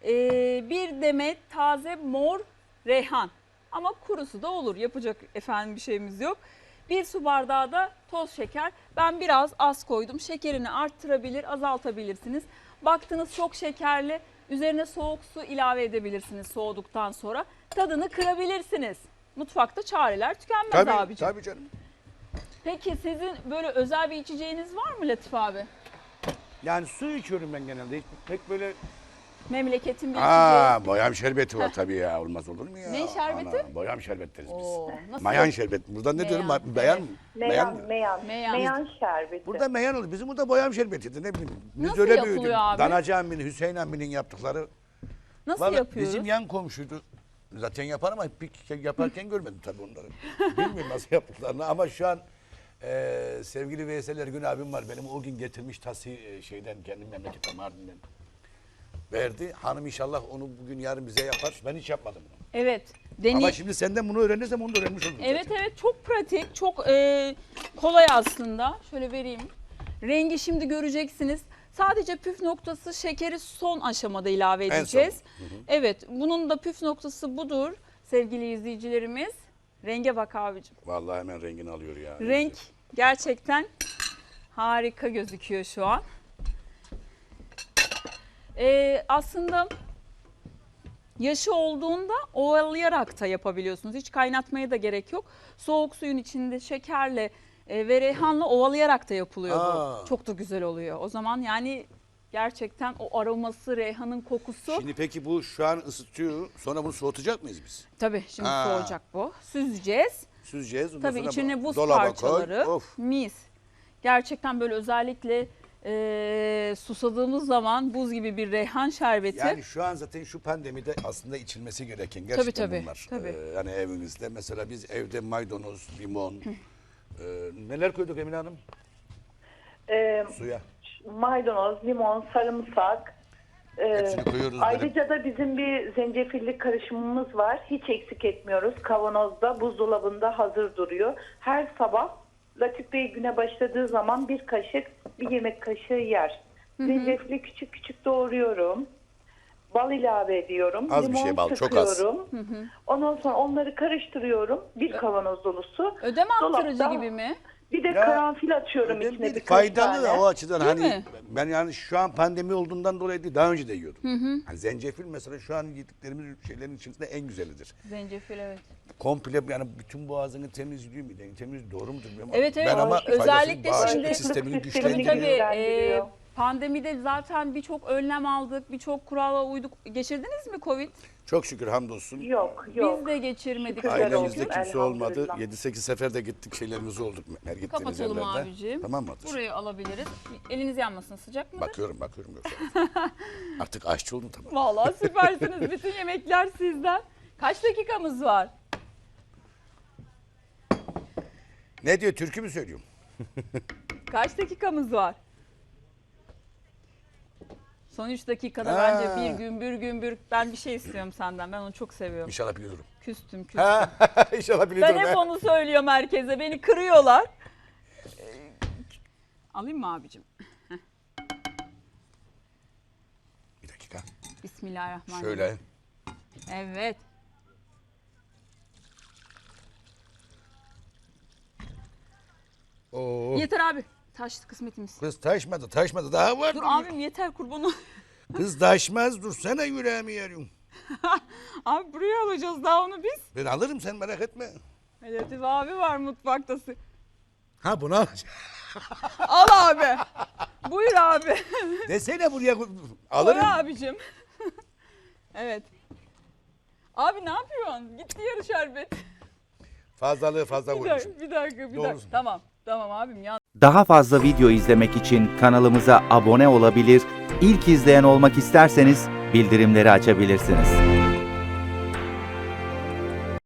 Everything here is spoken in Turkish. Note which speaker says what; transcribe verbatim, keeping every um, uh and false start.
Speaker 1: Ee, bir demet taze mor reyhan. Ama kurusu da olur. Yapacak efendim bir şeyimiz yok. Bir su bardağı da toz şeker. Ben biraz az koydum. Şekerini arttırabilir, azaltabilirsiniz. Baktınız çok şekerli. Üzerine soğuk su ilave edebilirsiniz soğuduktan sonra. Tadını kırabilirsiniz. Mutfakta çareler tükenmez
Speaker 2: Tabii,
Speaker 1: abiciğim.
Speaker 2: tabii canım.
Speaker 1: Peki sizin böyle özel bir içeceğiniz var mı Latif abi?
Speaker 2: Yani su içiyorum ben genelde. Hiç pek böyle...
Speaker 1: Memleketin bir
Speaker 2: Aa,
Speaker 1: içeceği.
Speaker 2: boyam şerbeti var tabii ya. Olmaz olur mu ya?
Speaker 1: Ne şerbeti?
Speaker 2: Ana, boyam şerbet deriz biz.
Speaker 1: Oo, nasıl
Speaker 2: Mayan
Speaker 1: yap-
Speaker 2: şerbeti. Burada ne
Speaker 1: Meyan,
Speaker 2: diyorum?
Speaker 1: evet.
Speaker 2: Beyan mı?
Speaker 3: Meyan,
Speaker 2: mı?
Speaker 3: meyan,
Speaker 1: Meyan.
Speaker 3: meyan, şerbeti.
Speaker 2: Burada meyan olur. Bizim burada boyam şerbetiydi. Ne bileyim. Biz
Speaker 1: Nasıl
Speaker 2: öyle
Speaker 1: yapılıyor
Speaker 2: büyüdük.
Speaker 1: abi?
Speaker 2: Danacı Ammi'nin, Hüseyin Ammi'nin yaptıkları.
Speaker 1: Nasıl
Speaker 2: Vallahi
Speaker 1: yapıyoruz?
Speaker 2: bizim yan komşuydu. Zaten yapar ama bir kere yaparken görmedim tabii onları. Bilmiyorum nasıl yaptıklarını ama şu an e, sevgili Veysel Ergün abim var. Benim o gün getirmiş tası e, şeyden kendim memleketten Mardin'den. Verdi. Hanım inşallah onu bugün yarın bize yapar. Ben hiç yapmadım bunu.
Speaker 1: Evet. Deney...
Speaker 2: Ama şimdi senden bunu öğrenirsem onu da öğrenmiş olurum
Speaker 1: Evet
Speaker 2: zaten.
Speaker 1: evet çok pratik, çok e, kolay aslında. Şöyle vereyim. Rengi şimdi göreceksiniz. Sadece püf noktası şekeri son aşamada ilave
Speaker 2: En son.
Speaker 1: edeceğiz.
Speaker 2: Hı hı.
Speaker 1: Evet, bunun da püf noktası budur sevgili izleyicilerimiz. Renge bak abicim.
Speaker 2: Vallahi hemen rengini alıyor ya.
Speaker 1: Renk gerçekten harika gözüküyor şu an. Ee, aslında yaşı olduğunda ovalayarak da yapabiliyorsunuz. Hiç kaynatmaya da gerek yok. Soğuk suyun içinde şekerle e, ve reyhanla ovalayarak da yapılıyor
Speaker 2: Aa.
Speaker 1: bu. Çok da güzel oluyor. O zaman yani gerçekten o aroması, reyhanın kokusu.
Speaker 2: Şimdi peki bu şu an ısıtıyor. Sonra bunu soğutacak mıyız biz?
Speaker 1: Tabii şimdi
Speaker 2: Aa.
Speaker 1: soğuyacak bu. Süzeceğiz.
Speaker 2: Süzeceğiz. Ondan
Speaker 1: Tabii
Speaker 2: sonra
Speaker 1: içine buz
Speaker 2: dolaba
Speaker 1: parçaları,
Speaker 2: koy. Of.
Speaker 1: mis. Gerçekten böyle özellikle e, susadığımız zaman buz gibi bir reyhan şerbeti.
Speaker 2: Yani şu an zaten şu pandemide aslında içilmesi gereken gerçekten
Speaker 1: Tabii, tabii,
Speaker 2: bunlar.
Speaker 1: tabii.
Speaker 2: Ee, yani evimizde mesela biz evde maydanoz, limon, e, neler koyduk Emine Hanım?
Speaker 3: Ee,
Speaker 2: Suya.
Speaker 3: maydanoz, limon, sarımsak. Ee,
Speaker 2: Hepsini koyuyoruz.
Speaker 3: ayrıca da bizim bir zencefilli karışımımız var. Hiç eksik etmiyoruz. Kavanozda, buzdolabında hazır duruyor. Her sabah Latif Bey güne başladığı zaman bir kaşık, bir yemek kaşığı yer. Zencefili küçük küçük doğruyorum. Bal ilave ediyorum.
Speaker 2: Az bir
Speaker 3: limon
Speaker 2: şey bal, çok az.
Speaker 3: sıkıyorum. Ondan sonra onları karıştırıyorum. Bir kavanoz dolusu.
Speaker 1: Ödem attırıcı
Speaker 3: Dolapta-
Speaker 1: gibi mi?
Speaker 3: Bir de
Speaker 2: Ya,
Speaker 3: karanfil atıyorum
Speaker 2: Ödem
Speaker 3: içine
Speaker 2: değil,
Speaker 3: birkaç
Speaker 2: faydalı
Speaker 3: tane.
Speaker 2: o açıdan.
Speaker 1: Değil
Speaker 2: Hani
Speaker 1: mi?
Speaker 2: ben yani şu an pandemi olduğundan dolayı değil, daha önce de yiyordum. Hani zencefil mesela şu an yediklerimiz şeylerin içerisinde en güzelidir.
Speaker 1: Zencefil evet.
Speaker 2: Komple yani bütün boğazını temizliyor mu? Yani temiz doğru mudur bilmiyorum.
Speaker 1: Evet, evet.
Speaker 2: Ben ama
Speaker 1: Özellikle
Speaker 2: faydasını
Speaker 1: şimdi-
Speaker 2: bağışıklık sistemini
Speaker 3: Tabii,
Speaker 1: Tabii
Speaker 2: güçlendiriyor.
Speaker 1: tabii.
Speaker 3: güçlendiriyor.
Speaker 1: E, pandemide zaten birçok önlem aldık, birçok kurala uyduk. Geçirdiniz mi Covid?
Speaker 2: Çok şükür hamdolsun.
Speaker 3: Yok yok.
Speaker 1: Biz de geçirmedik.
Speaker 3: Şükürler
Speaker 1: çok
Speaker 2: Ailemizde
Speaker 1: şükür.
Speaker 3: olsun,
Speaker 2: kimse olmadı.
Speaker 3: elhamdülillah.
Speaker 2: yedi sekiz sefer de gittik şeylerimiz olduk her gittiğimiz
Speaker 1: Kapatalım
Speaker 2: yerlerde.
Speaker 1: abicim.
Speaker 2: Tamam mıdır?
Speaker 1: Burayı alabiliriz. Eliniz yanmasın, sıcak mıdır?
Speaker 2: Bakıyorum bakıyorum yoksa. Artık aşçı oldum tamam.
Speaker 1: Vallahi süpersiniz. Bütün yemekler sizden. Kaç dakikamız var?
Speaker 2: Ne diyor türkü mü söylüyorum?
Speaker 1: Kaç dakikamız var? Son üç dakikada
Speaker 2: Ha.
Speaker 1: bence bir gümbür gümbür. Ben bir şey istiyorum senden. Ben onu çok seviyorum.
Speaker 2: İnşallah biliyorum.
Speaker 1: Küstüm küstüm.
Speaker 2: Ha, İnşallah
Speaker 1: Ben
Speaker 2: biliyorum.
Speaker 1: hep
Speaker 2: ha.
Speaker 1: onu söylüyorum herkese. Beni kırıyorlar. Ee, Alayım mı abicim?
Speaker 2: Bir dakika.
Speaker 1: Bismillahirrahmanirrahim.
Speaker 2: Şöyle.
Speaker 1: Evet.
Speaker 2: Oo.
Speaker 1: Yeter abi. Taştı kısmetimiz.
Speaker 2: Kız taşmadı taşmadı daha var.
Speaker 1: Dur abim yeter kurbanı.
Speaker 2: Kız taşmaz dursana yüreğimi yarıyorum.
Speaker 1: Abi buraya alacağız daha onu biz.
Speaker 2: Ben alırım sen merak etme.
Speaker 1: Latif abi var mutfakta.
Speaker 2: Ha bunu alacağım.
Speaker 1: Al abi. Buyur abi.
Speaker 2: Desene buraya
Speaker 1: Koy
Speaker 2: alırım.
Speaker 1: abicim. Evet. Abi ne yapıyorsun? Gitti yarı şerbet.
Speaker 2: Fazlalığı fazla
Speaker 1: Bir
Speaker 2: koymuşum.
Speaker 1: dakika, bir dakika, bir
Speaker 2: Doğrusu.
Speaker 1: dakika. Tamam, tamam abim ya.
Speaker 4: Daha fazla video izlemek için kanalımıza abone olabilir, ilk izleyen olmak isterseniz bildirimleri açabilirsiniz.